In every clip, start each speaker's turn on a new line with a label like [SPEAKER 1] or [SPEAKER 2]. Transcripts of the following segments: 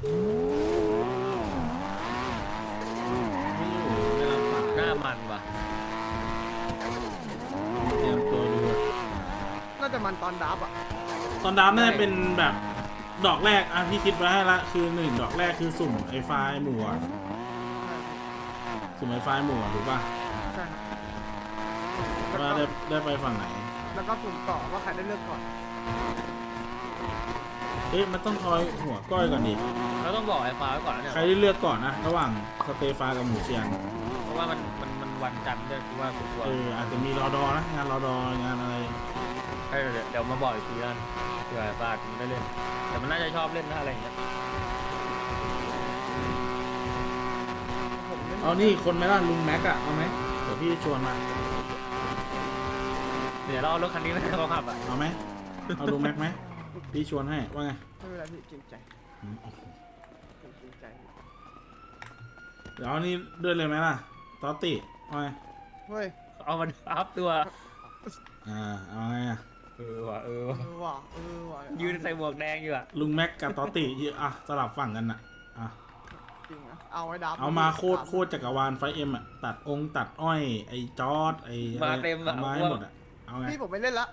[SPEAKER 1] ไม่อยู่ไม่รับสาย
[SPEAKER 2] หน้ามันว่ะ
[SPEAKER 1] เตรียมตัวดู
[SPEAKER 3] น่าจะมันตอนดับอ่ะ
[SPEAKER 1] ตอนดับน่าจะเป็นแบบดอกแรกอ่ะพี่คิดไว้ให้ละคือ1ดอกแรกคือสุ่มไอไฟล์หมู่อะสุ่มไอไฟล์หมู่อะถูกป่ะ
[SPEAKER 3] ใช่ครับ
[SPEAKER 1] ว่าได้ไปฝั่งไหน
[SPEAKER 3] แล้วก็สุ่มต่อว่าใครได้เลือกก่อน
[SPEAKER 1] เอ๊ะมันต้องคอยหัวก้อยก่อนดิ
[SPEAKER 2] เราต้องบอกไอ้ฟ้าไว้ก่อนนะเนี่ย
[SPEAKER 1] ใครได้เลือกก่อนนะระหว่างสเตฟานกับหมูเชียง
[SPEAKER 2] เพราะว่ามันวันจันทร์ด้วยคือว่ากูกลัว
[SPEAKER 1] อาจจะมีรอดอนะงานรอดองานอะไร
[SPEAKER 2] ให้เดี๋ยวมาบอกอีกทีกันเผื่อไอ้ฟ้ามันได้เล่นแต่มันน่าจะชอบเล่นถ้าอะไรอย่างเงี้ย
[SPEAKER 3] ผมเล่น
[SPEAKER 1] เอานี่คนไหมล่ะลุงแม็กอะเอาไหมเดี๋ยวพี่ชวนมา
[SPEAKER 2] เดี๋ยวเราเอารถคันนี้ไปเขาขับอ่ะ
[SPEAKER 1] เอาไหมเอาลุงแม็กไหมพี่ชวนให้ว่าไง
[SPEAKER 3] ไม่เป็นไรพี่เกรงใจ
[SPEAKER 1] โอ้โห
[SPEAKER 3] ผมเกรงใจ
[SPEAKER 1] เดี๋ยวเอานี่ด้วยเลยไหมล่ะตอตติว่าไง
[SPEAKER 3] เฮ้ย
[SPEAKER 2] เอามันอัพตัว
[SPEAKER 1] เอาไงอะ
[SPEAKER 2] ว่ะ
[SPEAKER 3] เออว่ะ
[SPEAKER 2] ยืนใส่หมวกแดงอยู่อ่ะ
[SPEAKER 1] ลุงแม็กกับตอตติสลับฝั่งกันอะ
[SPEAKER 3] จริงนะเอาไว้ดับ
[SPEAKER 1] เอามาโคตรจักรวาลไฟเอ็มอะตัดตัดอ้อยไอ้จอร์ดไอ้
[SPEAKER 2] มาเต็ม
[SPEAKER 1] เอามาให้หมดอะเอาไง
[SPEAKER 3] พี่ผมไม่เล่นละ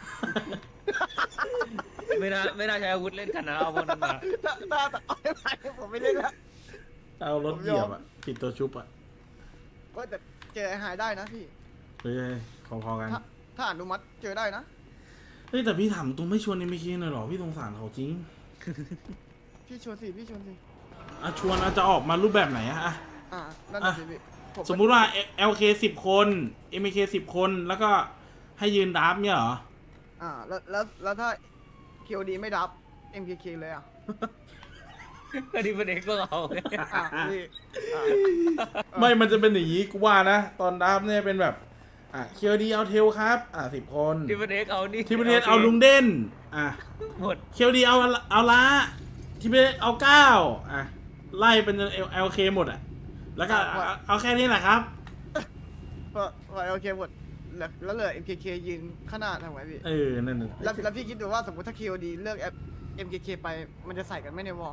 [SPEAKER 2] ไม่น่าใช้อาวุธเล่นกันนะเอาพวกนั้นมา
[SPEAKER 3] ถ้าเอาไม่ไปผมไม่เล่นละ
[SPEAKER 1] เอารถเหยียบอะปิดตัวชุบอะ
[SPEAKER 3] ว่าแต่เจอไอ้หายได้นะพี่
[SPEAKER 1] เฮ้ยพอๆกัน
[SPEAKER 3] ถ้าอนุมัติเจอได้นะ
[SPEAKER 1] เฮ้ยแต่พี่ถามตรงไม่ชวนในมิคีหน่อยหรอพี่สงสารเขาจริง
[SPEAKER 3] พี่ชวนสิพี่ชวนสิ
[SPEAKER 1] ชวนจะออกมารูปแบบไหนอะ
[SPEAKER 3] นั่นน่ะสิพี่ผ
[SPEAKER 1] สมมุติว่า LK 10 คน MK 10 คนแล้วก็ให้ยืนดับเนี่ยเหรอ
[SPEAKER 3] แล้วถ้า KOD ไม่ดับ MKK เลยอ่ะ
[SPEAKER 2] ก็ดีเป็นเอกพวกเรา
[SPEAKER 3] พี่
[SPEAKER 1] ไม่มันจะเป็นอย่างนี้กูว่านะตอนดับเนี่ยเป็นแบบเคียวดีเอาเทลครับ10 คน
[SPEAKER 2] ดีเป็นเอกเอานี่
[SPEAKER 1] ที่ประเทศเอาลุงเด่น
[SPEAKER 2] หมด
[SPEAKER 1] เคียวดีเอาละที่ประเทศเอา9ไล่เป็นLK หมดแล้วก็เอาแค่นี้แหละครับ
[SPEAKER 3] พอโอเคหมดแล้วเหลือ MKK ยืนข้างหน้าทำไงพี่
[SPEAKER 1] นั่น
[SPEAKER 3] แล้วพี่คิดดูว่าสมมติถ้า KOD เลือก MKK ไปมันจะใส่กันไหม่ในวอล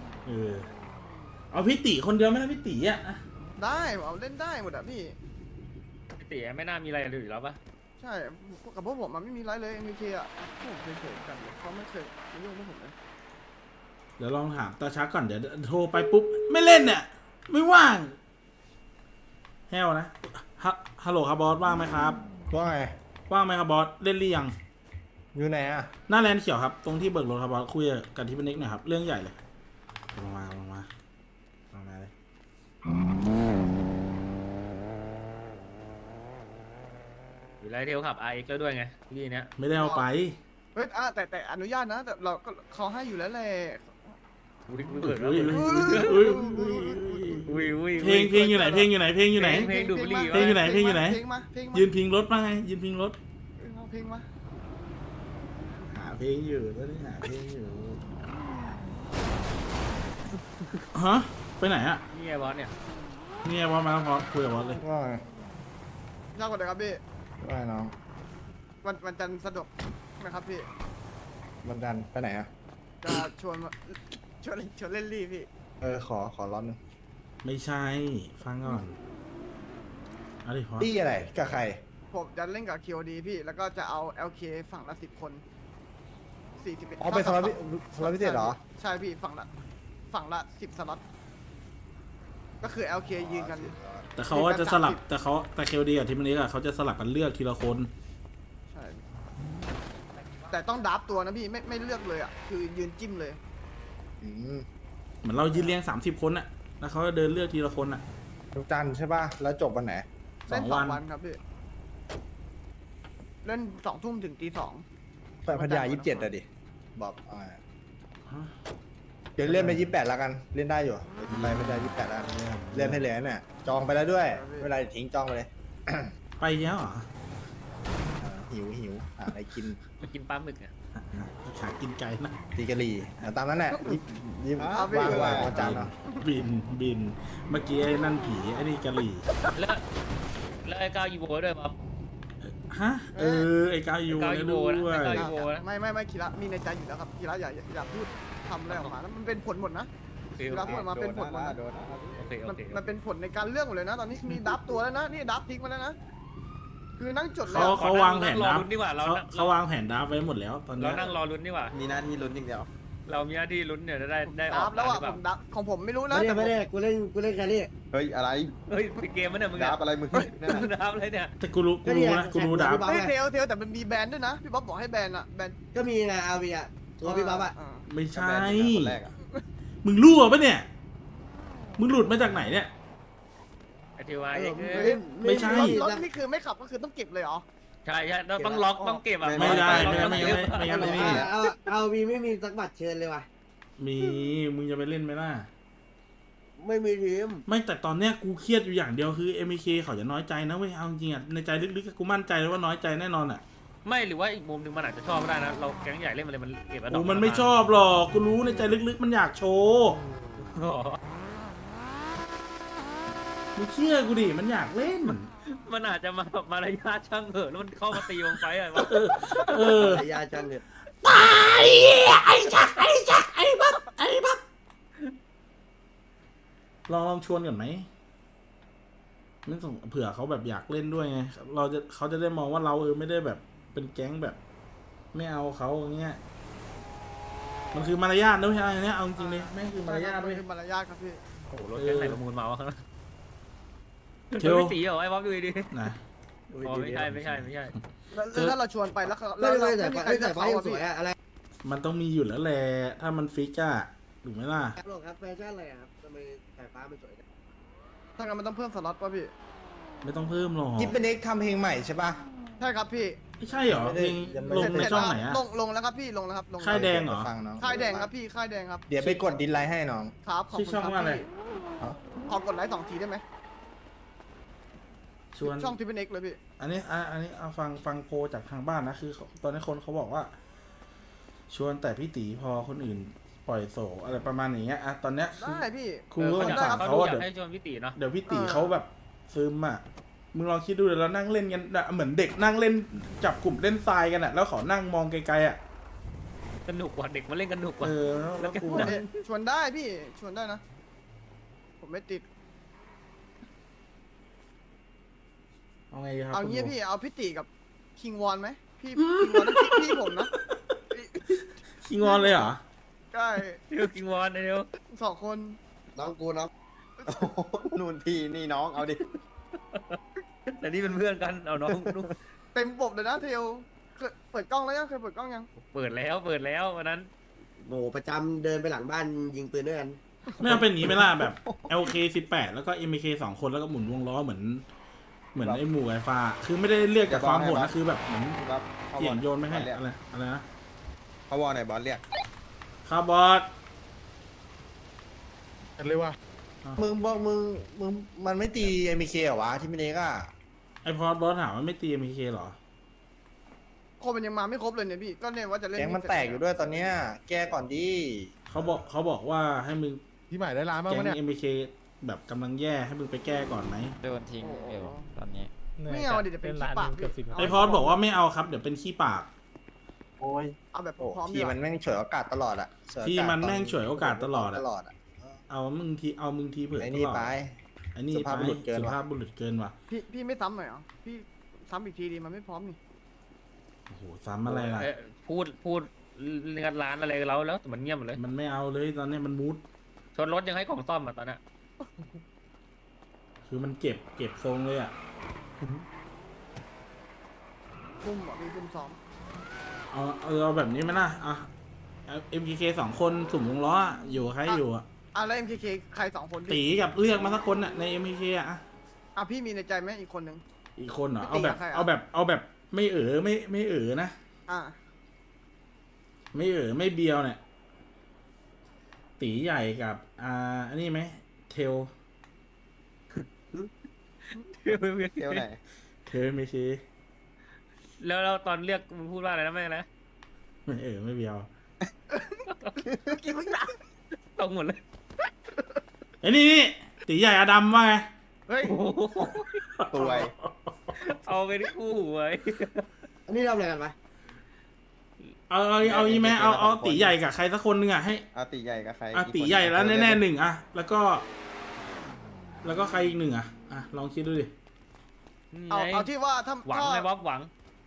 [SPEAKER 1] เอาพี่ติคนเดียวไม่ได้พี่ติ
[SPEAKER 3] ได้เอาเล่นได้หมดอ่ะพี่
[SPEAKER 2] พี่ตีไม่น่ามีอะไรอยู่แล้วปะ
[SPEAKER 3] ใช่กับพวกผมมันไม่มีไรเลย MKK อ่ะพวกผมเคยกันเขาไม่เคยมายุ่งพวกผมเลย
[SPEAKER 1] เดี๋ยวลองถามตาชักก่อนเดี๋ยวโทรไปปุ๊บไม่เล่นเนี่ยไม่ว่างแฮวนะฮัลโหลครับบอสว่างไหมครับ
[SPEAKER 4] ว่าไง
[SPEAKER 1] ว่างไหมครับบอสเล่นหรือยัง
[SPEAKER 4] อยู่ไหนอ่ะ
[SPEAKER 1] หน้าแลนด์เขียวครับตรงที่เบิกรถครับบอสคุยกับที่เป็นนิกหน่อยครับเรื่องใหญ่เลยลงมาเลย
[SPEAKER 2] อยู่ไรเทลขับไอเอ็กแล้วด้วยไงพี่เนี้ย
[SPEAKER 1] ไม่ได้เอาไป
[SPEAKER 3] เฮ้ยแต่อนุญาตนะแต่เราก็เขาให้อยู่แล้วแหละ
[SPEAKER 2] อุ้ยเปิดแล้ว
[SPEAKER 1] เพลงอยู่ไหนเพลงอยู่ไหน
[SPEAKER 2] เพลงดูดบุหรี่
[SPEAKER 1] เพลงอยู่ไหนเพลงอยู่ไหน
[SPEAKER 3] เพลงมาเพลงมา
[SPEAKER 1] ยืนพิงรถมาไงยืนพิงรถ
[SPEAKER 3] เพลงมา
[SPEAKER 1] หาเพลงอยู่ตอนนี้หาเพลงอยู่ฮะไปไหนอะ
[SPEAKER 2] นี่ไงบอสเนี่ย
[SPEAKER 1] เนี่ยว่ามาพอคุยกับบอสเลย
[SPEAKER 4] ว่าไง
[SPEAKER 3] ยากกว่าเดิมครับพี่
[SPEAKER 4] ว่าไงน้อง
[SPEAKER 3] วันจันทร์สะดวกนะครับพี่
[SPEAKER 4] วันจันทร์ไปไหนอ่ะ
[SPEAKER 3] จะชวนเล่นลี่พี่
[SPEAKER 4] ขอร้อนหนึง
[SPEAKER 1] ไม่ใช่ฟังก่อนเอาดิพอ
[SPEAKER 4] ตี้อะไรกับใคร
[SPEAKER 3] ผมจะเล่นกับ KOD พี่ แล้วก็จะเอา LK ฝั่งละ10 คน41
[SPEAKER 4] อ๋อเป็นสล็อตพิเศษเหรอ
[SPEAKER 3] ใช่พี่ฝั่งละ10 สล็อตก็คือ LK ยืนกัน
[SPEAKER 1] แต่เขาว่าจะสลับแต่เคลดีกับทีมนี้เขาจะสลับกันเลือกทีละคน
[SPEAKER 3] ใช่แต่ต้องดับตัวนะพี่ไม่เลือกเลยอ่ะคือยืนจิ้มเลย
[SPEAKER 4] อืม
[SPEAKER 1] เหมือนเรายืนเรียง30 คนอะแล้วเขาจะเดินเลือกทีละคนอะ
[SPEAKER 4] วันจันทร์ใช่ป่ะ แล้วจบวันไหน
[SPEAKER 3] เล่น
[SPEAKER 1] 2
[SPEAKER 3] 2
[SPEAKER 1] วัน
[SPEAKER 3] วันครับพี่เล่น2 ทุ่มถึงตี 2
[SPEAKER 4] ไปพัทยา27อะดิ บอก
[SPEAKER 1] ฮะ
[SPEAKER 4] เดี๋ยวเลื่อนไป28แล้วกัน เล่นได้อยู่ไปพัทยา28แล้วกันเลื่อนให้เหลือเนี่ย จองไปแล้วด้วย ไม่เป็นไรทิ้งจองไปเลย
[SPEAKER 1] ไปแล้วเหรอ
[SPEAKER 4] หิวหาอะไรกิน
[SPEAKER 2] มากินปลาหมึกอ่ะ
[SPEAKER 1] หากินไกลนะ
[SPEAKER 4] ตีกะหรี่ตามนั้นแหละยิบว่างวันจันทร์เนาะ
[SPEAKER 1] บินเมื่อกี้ไอ้นั่นผีไอ้นี่กะหรี่
[SPEAKER 2] แล้วไอ้ก้าวยีโวด้วยป๊อป
[SPEAKER 1] ฮะไอ้กายู
[SPEAKER 2] ไอ้กายู
[SPEAKER 1] ด้วย
[SPEAKER 2] นะ
[SPEAKER 3] ไม่คีระมีในใจอยู่แล้วครับคีระอย่าพูดทำอะไรออกมาแล้วมันเป็นผลหมดนะ
[SPEAKER 2] เค
[SPEAKER 3] เวลาพูดออกมาเป็นผลหมดนะ
[SPEAKER 2] โอเคโอ
[SPEAKER 3] มัน
[SPEAKER 2] เค
[SPEAKER 3] มันเป็นผลในการเลือกหมดเลยนะ ตอนนี้มีดับตัวแล้วนะนี่ดับทิ้งมาแล้วนะคือนั่งจดแล้ว
[SPEAKER 1] เขาวางแผน
[SPEAKER 2] รอ
[SPEAKER 1] ดับ
[SPEAKER 2] ลุ้นดีกว่าเรา
[SPEAKER 1] เขาวางแผนดับไว้หมดแล้วตอน
[SPEAKER 2] เรา
[SPEAKER 1] เนี้ย
[SPEAKER 2] นั่งรอลุ้นดีกว่า
[SPEAKER 5] มีหน้าที่ลุ้นอย่างเดียว
[SPEAKER 2] เรามีหน้าที่ลุ้นเนี่ยจะได้อ
[SPEAKER 3] ดั
[SPEAKER 2] อก
[SPEAKER 3] บแล้ว
[SPEAKER 2] ห
[SPEAKER 3] อ่ะ
[SPEAKER 2] รือเป
[SPEAKER 3] ผ
[SPEAKER 2] ล่าม
[SPEAKER 3] ดับของผมไม่รู้นะ
[SPEAKER 6] ไม่ได้กูเล่นแค่นี้
[SPEAKER 5] เฮ้ยอะไร
[SPEAKER 2] เฮ้ยปิดเกมมันเนี่ยมึง
[SPEAKER 5] ดั
[SPEAKER 2] เนี่ย
[SPEAKER 5] บอะไรมึงนั่น
[SPEAKER 2] มึง
[SPEAKER 5] น่ะ
[SPEAKER 2] ดับอะไรเนี่ย
[SPEAKER 1] แต่กูรู้นะกูรู้ดับ
[SPEAKER 3] ไม่เทลแต่มันมีแบรนด์ด้วยนะพี่บ๊อบบอกให้แบรนด์อ่ะแบรนด์
[SPEAKER 6] ก็มีไงอาวีอ่ะตัวพี่บ๊อบอ่ะ
[SPEAKER 1] ไม่ใช่
[SPEAKER 5] คนแรกอะ
[SPEAKER 1] มึงรั่วปะเนี่ย มึงหลุดมาจากไหนเนี่ย
[SPEAKER 2] ไอทีวายเอง
[SPEAKER 1] ไม่ใช่
[SPEAKER 3] รถนี่คือไม่ขับก็คือต้องเก็บเลยเหรอ
[SPEAKER 2] ใช่ต้องล็อกต้องเก็บอ่ะ
[SPEAKER 1] ไม่ได้
[SPEAKER 2] ล็อก
[SPEAKER 1] ไม่งั้น
[SPEAKER 6] เอาวีไม่มีสักบัตรเชิญเลยว่ะ
[SPEAKER 1] มี มึงจะไปเล่นไหมล่ะ
[SPEAKER 6] ไม่มีทีม
[SPEAKER 1] ไม่แต่ตอนเนี้ยกูเครียดอยู่อย่างเดียวคือ MK เขาจะน้อยใจนะเว้ยเอาจริงๆอ่ะในใจลึกๆกูมั่นใจเลยว่าน้อยใจแน่นอนอ่ะ
[SPEAKER 2] ไม่หรือว่าอีกมุมหนึ่งมันอาจจะชอบก็ได้นะเราแก๊งใหญ่เล่นมาเลยมันเก็บแล้ว
[SPEAKER 1] โอ้มันไม่ชอบหรอกกูรู้ในใจลึกๆมันอยากโชว์
[SPEAKER 2] อ๋อ
[SPEAKER 1] มึงเชื่อกูดิมันอยากเล่น
[SPEAKER 2] มันอาจจะมารยาทช่างเถอะแล้วมันเข้ามาตีวงไฟอะไรวะ
[SPEAKER 1] เออ
[SPEAKER 6] ยาจังเนี่ย
[SPEAKER 1] ลองชวนกันไหมไม่ส่งเผื่อเขาแบบอยากเล่นด้วยไงเขาจะได้มองว่าเราไม่ได้แบบเป็นแก๊งแบบ ไม่เอาเขาอย่างเงี้ยมันคือมารยาทด้วยใช่ไหมเนี่ยเอาจริงๆเลยแม่งคือมารยาทด้วย
[SPEAKER 3] คือมารยาทครับพี่
[SPEAKER 2] โอ้โหรถแก๊งไหนประมูลมาวะข้างหน้า
[SPEAKER 1] เที่ยว
[SPEAKER 2] ไม่ตีเหรอไอ้บ๊อบดูดิ
[SPEAKER 1] นะ
[SPEAKER 2] อ๋อไม่ใช่ไม่ใช่ไม่ใช่
[SPEAKER 3] แล้วถ้าเราชวนไปแล้วเขา
[SPEAKER 6] ไม่แต่
[SPEAKER 3] มีใคร
[SPEAKER 6] ไม่
[SPEAKER 3] จะ
[SPEAKER 6] แต่
[SPEAKER 3] เขา
[SPEAKER 6] ไม่
[SPEAKER 3] อะ
[SPEAKER 6] ส
[SPEAKER 3] พี่
[SPEAKER 6] วยอะอะไร
[SPEAKER 1] มันต้องมีอยู่แล้วแหละถ้ามันฟิกอะถูกไหมล่ะ
[SPEAKER 6] ครับครับแฟชั่นอะไรครับทำไมสายฟ้ามันสวย
[SPEAKER 3] ถ้างั้นมันต้องเพิ่มสล็อตป่ะพี่
[SPEAKER 1] ไม่ต้องเพิ่มหรอก
[SPEAKER 4] ยิปเป็นเอ็กทำเพลงใหม่ใช่ปะ
[SPEAKER 3] ใช่ครับพี่
[SPEAKER 1] ไม่ใช่เหรอ
[SPEAKER 4] ไม่
[SPEAKER 1] เพ
[SPEAKER 4] ได้
[SPEAKER 1] ลง
[SPEAKER 4] ยังไม่
[SPEAKER 1] ลงในช่องไหนอะ
[SPEAKER 3] ลงแล้วครับพี่ลงแล้วครับลง
[SPEAKER 1] ค่ายแดงเหรอ
[SPEAKER 4] ฟังน้อง
[SPEAKER 3] ค่ายแดงครับพี่ค่ายแดงครับ
[SPEAKER 4] เดี๋ยวไปกดดินไลน์ให้น้อง
[SPEAKER 3] ครับขอบ
[SPEAKER 1] ชื่อ
[SPEAKER 3] คุณ
[SPEAKER 1] ช่อง
[SPEAKER 3] ครับ
[SPEAKER 1] ว่าอะไร
[SPEAKER 3] พี่ขอกดไลค์2 ทีได้ไหม
[SPEAKER 1] ชวน
[SPEAKER 3] ช่องที่เป็นเอกเลยพี่
[SPEAKER 1] อันนี้เอาฟังโพลจากทางบ้านนะคือตอนนี้คนเขาบอกว่า ชวนแต่พี่ตีพอคนอื่นปล่อยโศอะไรประมาณอย่างเงี้ยอะตอนเนี้ยคือ
[SPEAKER 3] ได้พี่
[SPEAKER 1] ครูก็สงสาร
[SPEAKER 2] เขา
[SPEAKER 1] เขา
[SPEAKER 2] ดู
[SPEAKER 1] อะ
[SPEAKER 2] อยา
[SPEAKER 1] เดี๋ยว
[SPEAKER 2] กให้ชวนพี่ตีเนาะ
[SPEAKER 1] เดี๋ยวพี่ตีเขาแบบซึมอ่ะ มึงลองคิดดูเดี๋ยวเรานั่งเล่นกันอะเหมือนเด็กนั่งเล่นจับกลุ่มเล่นทรายกันอ่ะ แล้วเขานั่งมองไกลๆอ่ะ
[SPEAKER 2] สนุกกว่าเด็กมาเล่นกันหนุกกว่า
[SPEAKER 1] แล้วกู
[SPEAKER 3] ชวนได้พี่ชวนได้นะ ผมไม่ติด
[SPEAKER 1] เอาไงครับ
[SPEAKER 3] เอางี้
[SPEAKER 1] คุณ
[SPEAKER 3] พี่เอาพี่ติกับคิงวอนไหมพี่คิงวอนนั่นพี่ผมนะ
[SPEAKER 1] ขี้งอนเลยเหรอ
[SPEAKER 3] ใช่
[SPEAKER 2] เดี๋ยวกิงวอนเดี๋ยว
[SPEAKER 3] 2 คน
[SPEAKER 6] น้องกูน้อง
[SPEAKER 5] โอ้โหนู่นพี่นี่น้องเอาดิ
[SPEAKER 2] แต่นี่เป็นเพื่อนกันเอาน้องลูก
[SPEAKER 3] เต็มบบเลยนะเทลเคยเปิดกล้องแล้วยังเคยเปิดกล้องยัง
[SPEAKER 2] เปิดแล้ววันนั้น
[SPEAKER 6] โหประจำเดินไปหลังบ้านยิงปืนด้วยกัน
[SPEAKER 1] ไม่เอาเป็นอย่างนี้ไหมล่ะแบบ LK 18แล้วก็ MK 2 คนแล้วก็หมุนวงล้อเหมือนไอ้หมู่ไอ้ฟ้า คือไม่ได้เรียกจากความโหดนะคือแบบเหมือน
[SPEAKER 5] ครับเขา
[SPEAKER 1] เห
[SPEAKER 5] ว
[SPEAKER 1] ยี
[SPEAKER 5] อย
[SPEAKER 1] นโยนไม่ให้
[SPEAKER 5] เรียก
[SPEAKER 1] อะไรนะ
[SPEAKER 5] เขาวอลไหนบอลเรียก
[SPEAKER 1] คาร์บอส
[SPEAKER 4] มึงบอกมึงมันไม่ตีเอ็มเคเหรอวะที่เป็นเอ็กอะ
[SPEAKER 1] ไอพอดบอสถามว่าไม่ตี MK หรอ
[SPEAKER 3] คนมันยังมาไม่ครบเลยเนี่ยพี่ก็เนี่ยว่าจะเล่น
[SPEAKER 4] แก๊งมันแตกอยู่ด้วยตอนเนี้ยแก้ก่อนดิ
[SPEAKER 1] เขาบอกว่าให้มึง
[SPEAKER 7] พี่ใหม่ได้ร้านบ้าง
[SPEAKER 1] แก๊
[SPEAKER 7] ปะเนี่ย
[SPEAKER 1] ง MK แบบกำลังแย่ให้มึงไปแก้ก่อนไหม
[SPEAKER 8] โดนทิ้งอยู่ตอนนี้
[SPEAKER 3] ไม่เอาดิจะเป็นขี้ปากพี่
[SPEAKER 1] ไอพอดบอกว่าไม่เอาครับเดี๋ยวเป็นขี้ปาก
[SPEAKER 4] โอ้ย
[SPEAKER 3] เอาแบบ
[SPEAKER 4] โอ้
[SPEAKER 3] พร้อมดี
[SPEAKER 4] ที
[SPEAKER 3] กว่า
[SPEAKER 4] มันแม่งเฉวยโอกาสตลอดอะฉวยโอกาส
[SPEAKER 1] ที่มันแม่งฉวยโอกาสตลอดอะ
[SPEAKER 4] ตลอดอะ
[SPEAKER 1] เอามึงทีเผื่อ
[SPEAKER 4] ไอ้
[SPEAKER 1] ต
[SPEAKER 4] นี่
[SPEAKER 1] ลอด
[SPEAKER 4] ไป
[SPEAKER 1] ไอ้นี่
[SPEAKER 4] สุภาพบุรุษเกิน
[SPEAKER 1] สุ
[SPEAKER 4] ว่ะ
[SPEAKER 1] ภาพบุรุษเกินว่ะ
[SPEAKER 3] พี่ไม่ซ้ำหน่อยเหรอพี่ซ้ำอีกทีดีมันไม่พร้อมนี่
[SPEAKER 1] โอ้โหซ้ำอะไรล่ะ
[SPEAKER 2] พูดงานร้านอะไรเราแล้วแต่มันเงียบหมดเลย
[SPEAKER 1] มันไม่เอาเลยตอนนี้มันมูด
[SPEAKER 2] ชนรถยังให้ของซ่อมอ่ะตอนนี้
[SPEAKER 1] คือมันเก็บทรงเลยอ่ะ
[SPEAKER 3] ซุ่มเหรอพี่ซุ่มซ้อม
[SPEAKER 1] เอาแบบนี้ไหมล่ะอ่ะ MKK 2 คนสุ่มวงล้ออะอยู่กับใครอยู่อ่ะ
[SPEAKER 3] แล้ว MKK ใคร2 คน
[SPEAKER 1] ตี
[SPEAKER 3] พี่
[SPEAKER 1] กับเลือกมาสักคนอ่ะใน MKK อ่ะ
[SPEAKER 3] พี่มีในใจไหมอีกคนนึง
[SPEAKER 1] อีกคนเหรอ
[SPEAKER 3] พี่
[SPEAKER 1] เอา
[SPEAKER 3] ตี
[SPEAKER 1] แบบ
[SPEAKER 3] กับใครอะ
[SPEAKER 1] เอาแบบไม่ไม่นะ
[SPEAKER 3] อ่ะ
[SPEAKER 1] ไม่เบียวเนี่ยตีใหญ่กับอันนี้ไหมเทล
[SPEAKER 5] เที่ยวไหน
[SPEAKER 1] เทลไม่ใช่
[SPEAKER 2] แล้วตอนเรียกมึงพูดว่าอะไรนะแม่นะ
[SPEAKER 1] ไม่เบียว
[SPEAKER 3] กินมึงด่า
[SPEAKER 2] ตรงหมดเลย
[SPEAKER 1] ไอ้นี่ตีใหญ่อดัมว่าไง
[SPEAKER 3] เฮ้ย
[SPEAKER 5] ตัวย
[SPEAKER 2] เอาไปที่คู่ไว้
[SPEAKER 6] อันนี้ทำอะไรกันวะ
[SPEAKER 1] เอางี้ไหมเอาตีใหญ่กับใครสักคนหนึงอ่ะให้
[SPEAKER 5] เอาตีใหญ่กับใคร
[SPEAKER 1] อ่ะ
[SPEAKER 5] อีก
[SPEAKER 1] ตี
[SPEAKER 5] คน
[SPEAKER 1] ใหญ่แล้ว
[SPEAKER 5] เลือก
[SPEAKER 1] แน่
[SPEAKER 5] ได้
[SPEAKER 1] ๆหนึ่งอ่ะแล้วก็ใครอีกหนึ่งอ่ะลองคิดดูดิ
[SPEAKER 3] เอาที่ว่าถ้า
[SPEAKER 2] หวังไงบ๊อบหวัง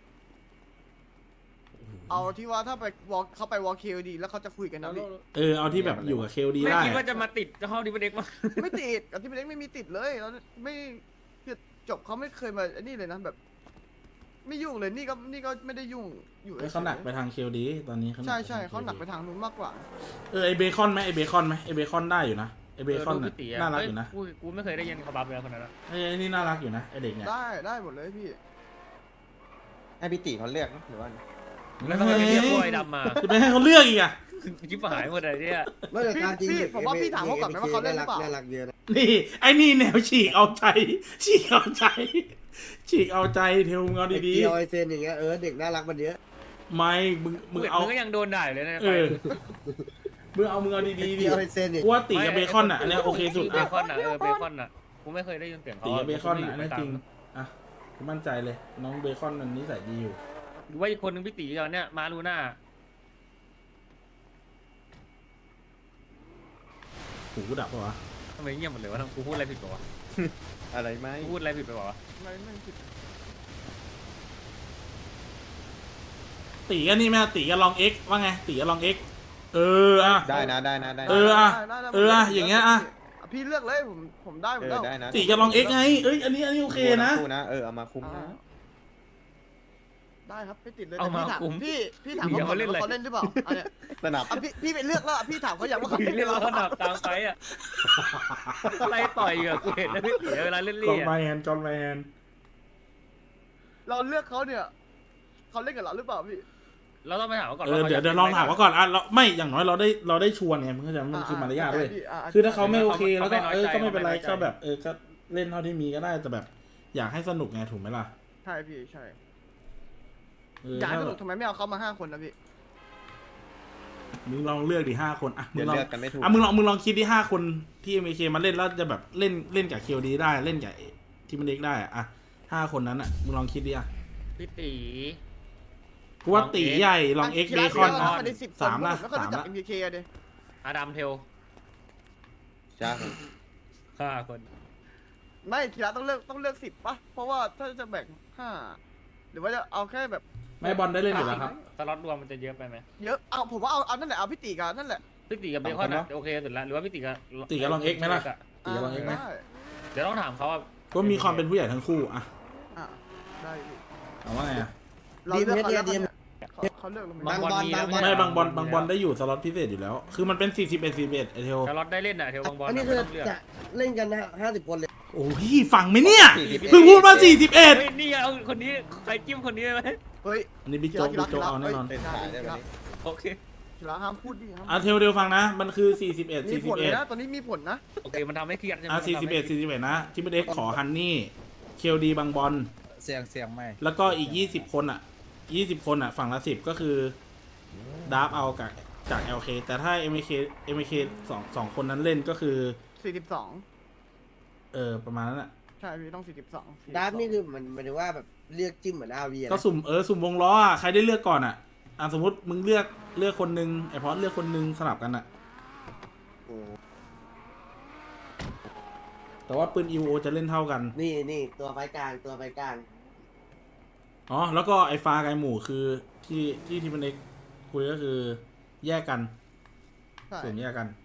[SPEAKER 3] เอาที่ว่าถ้าไปวอลเขาไปวอลเคดีแล้วเขาจะคุยกันนะพี่
[SPEAKER 1] เอาที่แบบอยู่กับเคลดี
[SPEAKER 2] ไม่
[SPEAKER 1] ได้
[SPEAKER 2] คิดว่า
[SPEAKER 1] อะ
[SPEAKER 2] จะมาติดเจ้าห้องดิบเด็กมา
[SPEAKER 3] ไม่ติดกับที่เป็นเล็กไม่มีติดเลยแล้วไม่คือจบเขาไม่เคยมาไอ้นี่เลยนะแบบ ไม่ยุ่งเลยนี่ก็ไม่ได้ยุ่งอยู่
[SPEAKER 1] เขาหนักไปทางเคลดีตอนนี้เขา
[SPEAKER 3] ใช่ใช่เขาหนักไปทางนู้นมากกว่า
[SPEAKER 1] ไอเบคอนไหมไอเบคอนไหมไอเบคอนได้อยู่นะไอเบคอน
[SPEAKER 2] ดู
[SPEAKER 1] น่ะ
[SPEAKER 2] พี่ตี
[SPEAKER 1] น่ารักอยู่นะ
[SPEAKER 2] กูไม่เคยได้ยินเขาบัฟเลยคนนั้น
[SPEAKER 1] ไอนี่น่ารักอยู่นะไอเด็กเนี่ย
[SPEAKER 3] ได้หมดเลยพี่
[SPEAKER 5] ให้พี่ตีเขาเลือกนะหรือว่า
[SPEAKER 2] แล้วทำไมไม่เรียกพวกไอ้ดำมา
[SPEAKER 1] จะไปให้เขาเลือกอีกอ่ะ
[SPEAKER 2] ชิบหายหมดเลยเนี่ย
[SPEAKER 6] ไม่แต่การจริง
[SPEAKER 3] พี่ผมว่าพี่ถามเขาก่อนไหมว่าเขาเล่นหรือเปล่า
[SPEAKER 6] น่ารักเยอะนะ
[SPEAKER 1] นี่ไอนี่แนวฉีกเอาใจฉีกเอาใจเทลมึงเอา
[SPEAKER 6] ไอ้
[SPEAKER 1] ดี
[SPEAKER 6] เกียวไอเซนอย่างเงี้ยเด็กน่ารักมันเยอะ
[SPEAKER 1] ๆไม่มึงเอา
[SPEAKER 2] มึงก็ยังโดนด่าเลยนะ
[SPEAKER 1] มึงเอาดี
[SPEAKER 6] ไอ้
[SPEAKER 1] ๆดิ
[SPEAKER 6] เกียวไอเซนเนี่ย
[SPEAKER 1] กูว่าตีกับเบคอนอ่ะอันเนี้ยโอเคสุด
[SPEAKER 2] เบ
[SPEAKER 1] อ่ะ
[SPEAKER 2] คอนอ่ะเบคอนอ่ะกูไม่เคยได้ยินเสียงเขา
[SPEAKER 1] ตีกับเบคอนอ่ะอันนี้จริงอ่ะกูมั่นใจเลยน้องเบคอนมันนิสัยดีอยู่
[SPEAKER 2] หรือว่าอีกคนนึงพี่ตีตอนเนี้ยมาลูน่า
[SPEAKER 1] หูกูดับปะวะ
[SPEAKER 2] ทำไมเงียบหมดเลยวะกูพูดอะไรผิดปะวะ
[SPEAKER 5] อะไรไหม
[SPEAKER 2] กูพูดอะไรผิดไปปะวะ
[SPEAKER 3] ไม่ผิด
[SPEAKER 1] ตีกันนี่แม่ตีกันลองเอ็กว่าไงตีกันลองเอ็กอ่ะ
[SPEAKER 5] ได้นะ
[SPEAKER 3] ได้
[SPEAKER 1] อย่างเงี้ยอ่ะ
[SPEAKER 3] พี่เลือกเลยผมได้หมดแล้ว
[SPEAKER 5] ได้นะ
[SPEAKER 1] ตีกันลองเอ็กไงอันนี้โอเคนะ
[SPEAKER 5] คู่นะเอามาคุ้มนะ
[SPEAKER 3] ได้ครับไม่ติดเลยแต่พี่ถามพี่ถามเขาเล่นหรือเปล่าอันเนี้ย
[SPEAKER 5] สนับ
[SPEAKER 3] พี่ไปเลือกแล้วพี่ถามเขาอยากว่าเขา
[SPEAKER 2] พี่
[SPEAKER 3] เล่นห
[SPEAKER 2] เรี
[SPEAKER 3] รื
[SPEAKER 2] ย
[SPEAKER 3] อก เป
[SPEAKER 2] ว่า
[SPEAKER 3] ล่า
[SPEAKER 2] ขนาดกลางไฟอ่ะไล่ต่อยอ่ะกูเห็นนะพี่ตีเวลาเล่น
[SPEAKER 1] จ
[SPEAKER 2] เลี่
[SPEAKER 1] อห์น
[SPEAKER 2] ย
[SPEAKER 1] ไมแฮนจอห์นไมแฮน
[SPEAKER 3] เราเลือกเขาเนี่ยเขาเล่นกับเราหรือเปล่าพี่
[SPEAKER 2] เราต้องไปถามก่อน
[SPEAKER 1] เดี๋ยวลองถามเขาก่อนอ่ะไม่อย่างน้อยเราได้ชวนไงมันก็จะมันคือมารยาทด้วยคือถ้าเขาไม่โอเคแล้วก็ก็ไม่เป็นไรก็แบบก็เล่นเท่าที่มีก็ได้แต่แบบอยากให้สนุกไงถูกไหมล่ะ
[SPEAKER 3] ใช่พี่ใช่อยากให้สนุกทำไมไม่เอาเขามา5 คนนะพี่
[SPEAKER 1] มึงลองเลือกดิ5 คนอ่ะมึ
[SPEAKER 5] เดี๋ย
[SPEAKER 1] ง
[SPEAKER 5] ว
[SPEAKER 1] ลอง
[SPEAKER 5] เลือกกันไม่ถูก
[SPEAKER 1] มึงลองคิดที่5 คนที่ MK มาเล่นแล้วจะแบบเล่นกับเคลดีได้เล่นกับทีมเด็กได้อ่ะ5 คนนั้นอ่ะมึงลองคิดดิอ่ะ
[SPEAKER 2] พี่ตี
[SPEAKER 1] กูว่าตีใหญ่ลองเอ็กเบคอน
[SPEAKER 3] นะมันได้10 คน
[SPEAKER 1] 3ละ
[SPEAKER 3] แล้วก็รู้จัก
[SPEAKER 1] 3ละ
[SPEAKER 3] MPK อะเด้
[SPEAKER 2] อาดัมเทล
[SPEAKER 5] จ้า
[SPEAKER 2] 5 คน
[SPEAKER 3] ไม่คีระต้องเลือก10ป่ะเพราะว่าถ้าจะแบ่ง5หรือว่าจะเอาแค่แบบ
[SPEAKER 1] ไม่บอลได้เล่นอยู่แล้วครับ
[SPEAKER 2] สล็อตรวมมันจะเยอะไปไหม
[SPEAKER 3] เยอะผมว่าเอานั่นแหละเอาพี่ตีกันนั่นแหละ
[SPEAKER 2] พี่ตีกับเบคอนโอเคสุดแล้วหรือว่าพี่ตีกับ
[SPEAKER 1] ตีกับลองเอ็กไหมล่ะตีกับลองเอ็กไหม
[SPEAKER 3] ได้
[SPEAKER 2] เดี๋ยวต้องถามเขาว่า
[SPEAKER 1] ก็มีความเป็นผู้ใหญ่ทั้งคู่อ่ะ
[SPEAKER 3] ได้พี่
[SPEAKER 1] เอาว่าไงอ่ะ
[SPEAKER 3] เราเลือกเขาแล้วเขาเลือกเราไม่
[SPEAKER 2] บางบอลมีแล้ว
[SPEAKER 1] ไม่บางบอลได้อยู่สล็อตพิเศษอยู่แล้ว คือมันเป็น41ไอเทล
[SPEAKER 2] สล็อตได้เล่นอ่ะเทลบางบอล
[SPEAKER 6] อันนี้คือจะเล่นกันนะ50 คนเลย
[SPEAKER 1] โอ้ยฟังไหมเนี่ยเพิ่งพูดมา41
[SPEAKER 2] เฮ้ยนี่เอาคนนี้ใครจิ้มคนนี้ไหม
[SPEAKER 3] เฮ้ย
[SPEAKER 1] อันนี้บิ๊กโจ๊กเอาแน่นอน
[SPEAKER 5] เป็นขายได้แบบนี้
[SPEAKER 2] โอเค
[SPEAKER 3] คีระห้ามพูดดิห้าม
[SPEAKER 1] อ่ะเทลเดียวฟังนะ มันคือ41
[SPEAKER 3] มีผลเลยนะ
[SPEAKER 1] 41
[SPEAKER 3] ตอนนี้มีผลนะ
[SPEAKER 2] โอเคมันทำให้เครียดใช่ไหม
[SPEAKER 1] อ่ะ41นะที่ไม่ได้ขอฮันนี่เคลดีบางบอล
[SPEAKER 8] เสียงไม่
[SPEAKER 1] แล้วก็อีก20 คนอ่ะ20 คนอ่ะฝั่งละ10ก็คือดาร์ฟเอาจาก LK แต่ถ้า MK 2 คนนั้นเล่นก็คือ
[SPEAKER 3] 42
[SPEAKER 1] ประมาณนั้นอ่ะ
[SPEAKER 3] ใช่พี่ต้อง42
[SPEAKER 6] ดาร์ฟนี่คือมันหมายถึงว่าแบบเลือกจิ้มเหมือนอาวี
[SPEAKER 1] ก็สุ่มวงล้ออ่ะใครได้เลือกก่อนอ่ะสมมติมึงเลือกคนนึงไอพอสเลือกคนนึงสลับกันอ่ะแต่ว่าปืน EVO จะเล่นเท่ากัน
[SPEAKER 6] นี่ตัวไฟกลางตัวไฟกลาง
[SPEAKER 1] อ๋อแล้วก็ไอฟ้าไกหมู่คือที่มันเอกคุยก็คือแยกกัน
[SPEAKER 3] ใช่
[SPEAKER 1] ส่วนแยกกัน